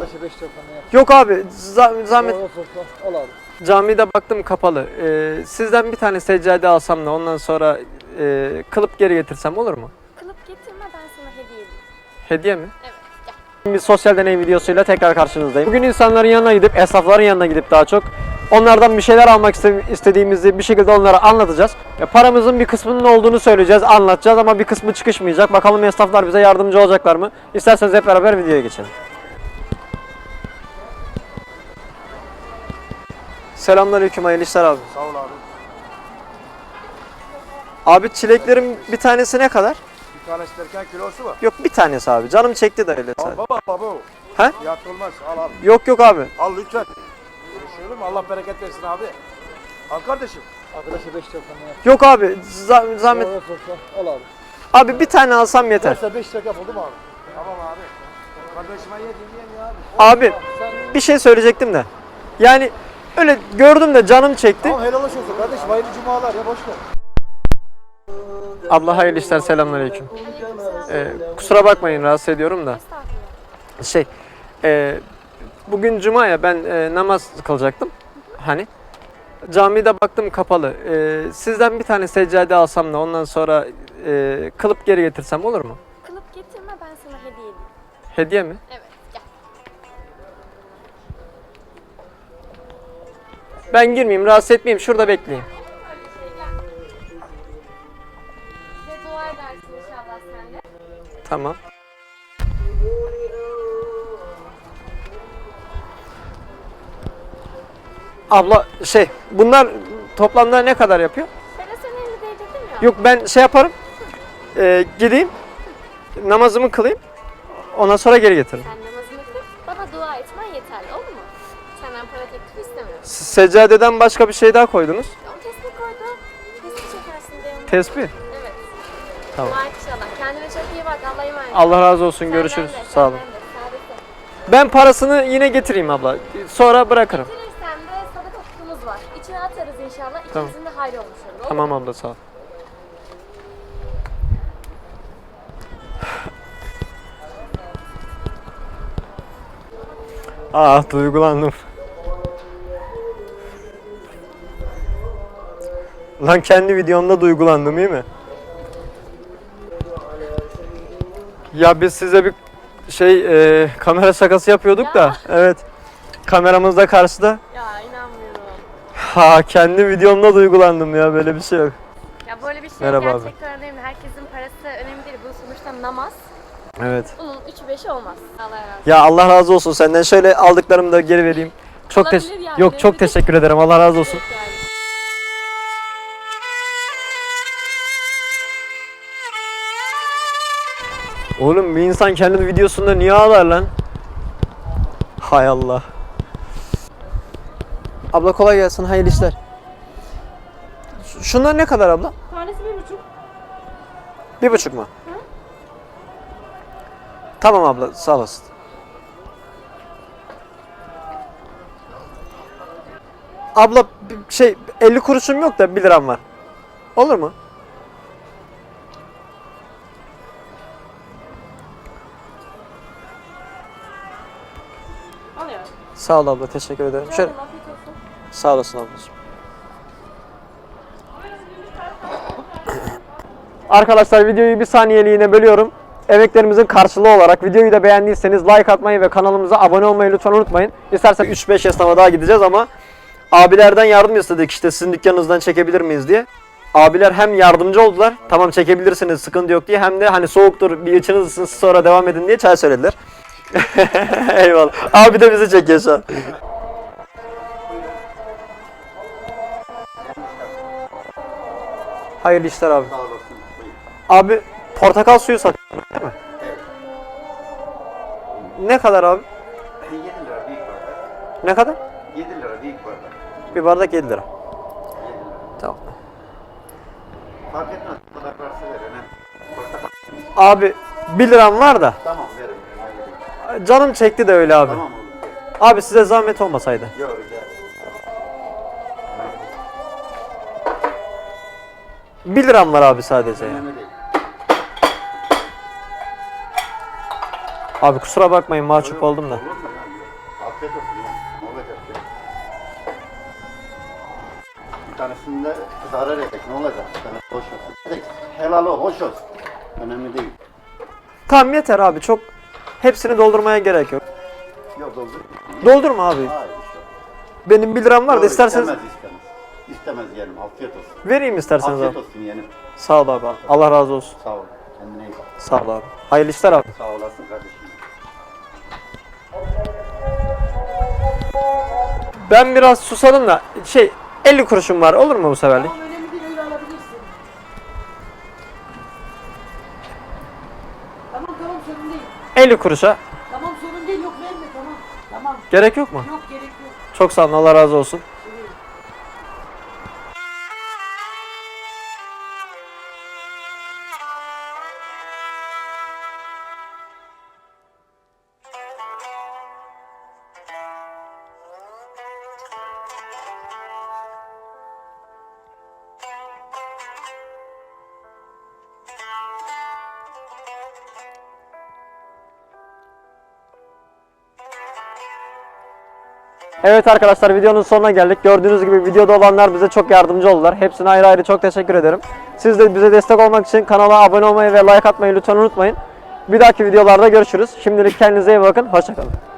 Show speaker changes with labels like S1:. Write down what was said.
S1: Arkadaşa 5 lira falan yap.
S2: Yok abi zahmet.
S1: Al abi.
S2: Camide baktım kapalı. Sizden bir tane seccade alsam da ondan sonra kılıp geri getirsem olur mu?
S3: Kılıp getirme, ben sana hediye edeyim.
S2: Hediye mi?
S3: Evet, gel.
S2: Bir sosyal deney videosuyla tekrar karşınızdayım. Bugün insanların yanına gidip, esnafların yanına gidip daha çok onlardan bir şeyler almak istediğimizi bir şekilde onlara anlatacağız. Paramızın bir kısmının olduğunu söyleyeceğiz, anlatacağız ama bir kısmı çıkışmayacak. Bakalım esnaflar bize yardımcı olacaklar mı? İsterseniz hep beraber videoya geçelim. Selamünaleyküm, hayırlı işler abi.
S1: Sağ ol abi.
S2: Abi çileklerin bir tanesi ne kadar?
S1: Bir tanesi derken kilosu mu?
S2: Yok bir tanesi abi. Canım çekti de öyle
S1: Al
S2: sadece.
S1: baba.
S2: He?
S1: Fiyat olmaz. Al abi.
S2: Yok abi.
S1: Al lütfen. Görüşelim mi? Allah bereket versin abi. Al kardeşim. Arkadaşa 5 lira falan yap.
S2: Yok abi zahmet.
S1: Al abi.
S2: Abi bir tane alsam yeter.
S1: Varsa 5 lira yap oldu mu abi? Tamam abi. Kardeşime yedin ya abi.
S2: Abi bir şey söyleyecektim de. Yani öyle gördüm de canım çekti.
S1: Tamam helal olsun kardeşim. Hayırlı cumalar ya boş ver.
S2: Abla hayırlı işler, selamünaleyküm. Kusura bakmayın rahatsız ediyorum da.
S3: Estağfurullah.
S2: Bugün cuma ya ben namaz kılacaktım. Hani camide baktım kapalı. Sizden bir tane seccade alsam da ondan sonra kılıp geri getirsem olur mu?
S3: Kılıp getirme, ben sana hediye edeyim.
S2: Hediye mi?
S3: Evet, gel.
S2: Ben girmeyeyim, rahatsız etmeyeyim. Şurada bekleyeyim.
S3: Bize dua edersin inşallah sen de.
S2: Tamam. Abla bunlar toplamda ne kadar yapıyor?
S3: Sen elini değdirdin ya.
S2: Yok ben yaparım. Gideyim. Namazımı kılayım. Ondan sonra geri getiririm.
S3: Sen namazını kıl, bana dua etmen yeterli, olur mu? Senden para teklifi istemiyorum.
S2: Seccadeden başka bir şey daha koydunuz.
S3: O tespih koydu. Tespih çekersin diye onu.
S2: Tespih.
S3: Evet.
S2: Tamam.
S3: Dua et inşallah. Kendine çok iyi bak. Allah'a emanet.
S2: Allah razı olsun.
S3: Senden
S2: Görüşürüz.
S3: de,
S2: Sağ olun.
S3: senden de. Saadetler.
S2: Ben parasını yine getireyim abla. Sonra bırakırım.
S3: Getirirsen de sadaka kutumuz var. İçine atarız inşallah.
S2: Tamam.
S3: İkimizin de hayrı olmuş olur.
S2: Tamam abla sağ ol. Duygulandım. Lan kendi videomda duygulandım iyi mi? Ya biz size bir kamera şakası yapıyorduk da. Evet. Kameramız da karşıda.
S3: Ya inanmıyorum.
S2: Kendi videomda duygulandım ya, böyle bir şey yok.
S3: Ya böyle bir şey
S2: Merhaba abi.
S3: gerçekten önemli. Herkesin parası önemli değil. Bu sonuçta namaz.
S2: Evet.
S3: Bunun 3'ü 5'i olmaz. Allah razı olsun.
S2: Ya Allah razı olsun senden. Şöyle aldıklarımı da geri vereyim.
S3: Olabilir yani.
S2: Yok çok teşekkür ederim. Allah razı olsun.
S3: Evet yani.
S2: Oğlum bir insan kendi videosunda niye ağlar lan? Hay Allah. Abla kolay gelsin. Hayırlı işler. Şunlar ne kadar abla?
S3: Tanesi 1,5.
S2: 1,5 mu? Tamam abla sağ olasın. Abla 50 kuruşum yok da 1 liram var. Olur mu?
S3: Alıyorum.
S2: Sağ ol abla, teşekkür ederim. Şöyle,
S3: Afiyet olsun.
S2: sağ olasın ablacığım. Arkadaşlar videoyu bir saniyeliğine bölüyorum. Emeklerimizin karşılığı olarak videoyu da beğendiyseniz like atmayı ve kanalımıza abone olmayı lütfen unutmayın. İstersen 3-5 esnafa daha gideceğiz ama abilerden yardım istedik, işte sizin dükkanınızdan çekebilir miyiz diye. Abiler hem yardımcı oldular, tamam çekebilirsiniz sıkıntı yok diye, hem de hani soğuktur bir içiniz ısınsın sonra devam edin diye çay söylediler. Eyvallah. Abi de bizi çekiyor şu an. Hayırlı işler abi. Abi portakal suyu satıyorsun değil mi?
S4: Evet.
S2: Ne kadar abi?
S4: 7 lira büyük bardak.
S2: Ne kadar?
S4: 7 lira büyük bardak.
S2: Bir bardak 7 lira.
S4: 7 lira.
S2: Tamam.
S4: Fark etmez. Bu kadar parası verin. Portakal.
S2: Abi 1 liram var da
S4: Tamam verin.
S2: canım çekti de öyle abi.
S4: Tamam olur.
S2: Abi size zahmet olmasaydı.
S4: Yok rica
S2: 1 liram var abi sadece ya.
S4: Önemli değil.
S2: Abi kusura bakmayın mahcup oldum da.
S4: Olur mu? Afiyet olsun ya. Ne olacak ya? Bir tanesinde zarar edecek. Ne olacak? Bir tanesi hoş olsun. Edecek. Helal o, hoş olsun. Önemli değil.
S2: Tamam yeter abi, çok hepsini doldurmaya gerek yok.
S4: Yok doldur.
S2: Doldurma abi.
S4: Hayır işte.
S2: Benim 1 liram var da
S4: Yok,
S2: isterseniz
S4: istemez. İstemez yeğenim. Afiyet olsun.
S2: vereyim isterseniz
S4: Afiyet
S2: abi.
S4: olsun yeğenim.
S2: Sağ ol abi. Allah razı olsun.
S4: Sağ ol. Kendine iyi bak.
S2: Sağ ol abi. Hayırlı işler abi.
S4: Sağ olasın kardeşim.
S2: Ben biraz susadım da 50 kuruşum var, olur mu bu seferlik?
S5: Tamam önemli değil, öyle alabilirsin. Tamam sorun değil.
S2: 50 kuruşa
S5: Tamam sorun değil, yok verme tamam. Tamam
S2: gerek yok mu?
S5: yok gerek yok.
S2: Çok sağ olun, Allah razı olsun. Evet arkadaşlar, videonun sonuna geldik. Gördüğünüz gibi videoda olanlar bize çok yardımcı oldular. Hepsine ayrı ayrı çok teşekkür ederim. Siz de bize destek olmak için kanala abone olmayı ve like atmayı lütfen unutmayın. Bir dahaki videolarda görüşürüz. Şimdilik kendinize iyi bakın. Hoşça kalın.